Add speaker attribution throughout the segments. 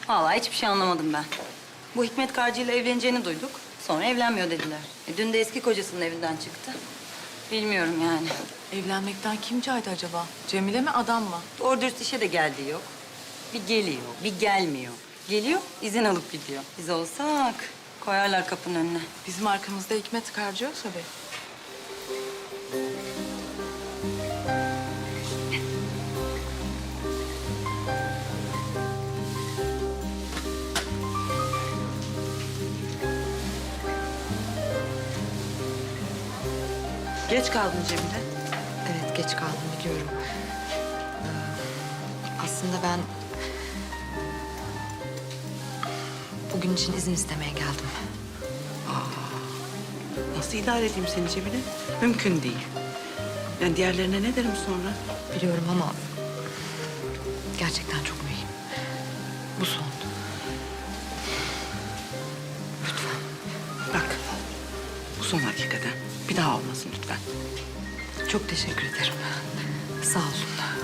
Speaker 1: Vallahi hiçbir şey anlamadım ben. Bu Hikmet Karcı ile evleneceğini duyduk. Sonra evlenmiyor dediler. Dün de eski kocasının evinden çıktı. Bilmiyorum yani.
Speaker 2: Evlenmekten kim caydı acaba? Cemile mi, adam mı?
Speaker 1: Doğru dürüst işe de geldiği yok. Bir geliyor, bir gelmiyor. Geliyor, izin alıp gidiyor. Biz olsak koyarlar kapının önüne.
Speaker 2: Bizim arkamızda Hikmet Karcı yoksa be.
Speaker 3: Geç kaldın Cemile.
Speaker 4: Evet, geç kaldım biliyorum. Aslında ben bugün için izin istemeye geldim.
Speaker 3: Nasıl idare edeyim seni Cemile? Mümkün değil. Yani diğerlerine ne derim sonra?
Speaker 4: Biliyorum ama gerçekten çok mühim. Bu son. Lütfen.
Speaker 3: Bak, bu son hakikaten. Bir daha olmasın lütfen.
Speaker 4: Çok teşekkür ederim. Sağ olun.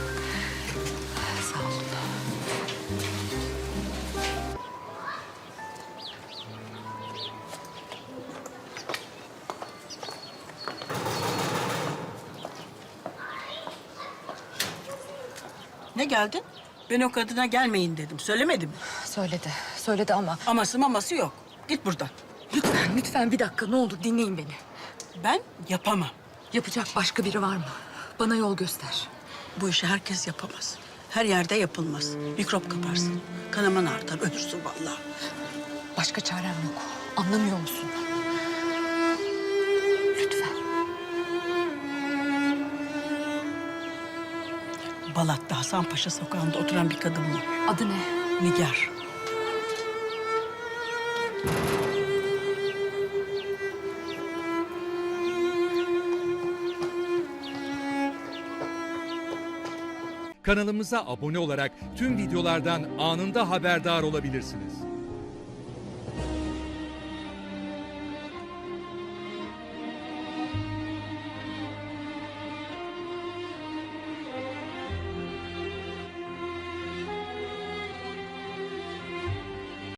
Speaker 4: Sağ olun.
Speaker 5: Ne geldin? Ben o kadına gelmeyin dedim. Söylemedim.
Speaker 4: Söyledi ama
Speaker 5: Aması maması yok. Git buradan.
Speaker 4: lütfen bir dakika ne olur dinleyin beni.
Speaker 5: Ben yapamam.
Speaker 4: Yapacak başka biri var mı? Bana yol göster.
Speaker 5: Bu işi herkes yapamaz. Her yerde yapılmaz. Mikrop kaparsın. Kanaman artar, ölürsün vallahi.
Speaker 4: Başka çarem yok. Anlamıyor musun? Lütfen.
Speaker 5: Balat'ta Hasanpaşa sokağında oturan bir kadın var.
Speaker 4: Adı ne?
Speaker 5: Nigar.
Speaker 6: Kanalımıza abone olarak tüm videolardan anında haberdar olabilirsiniz.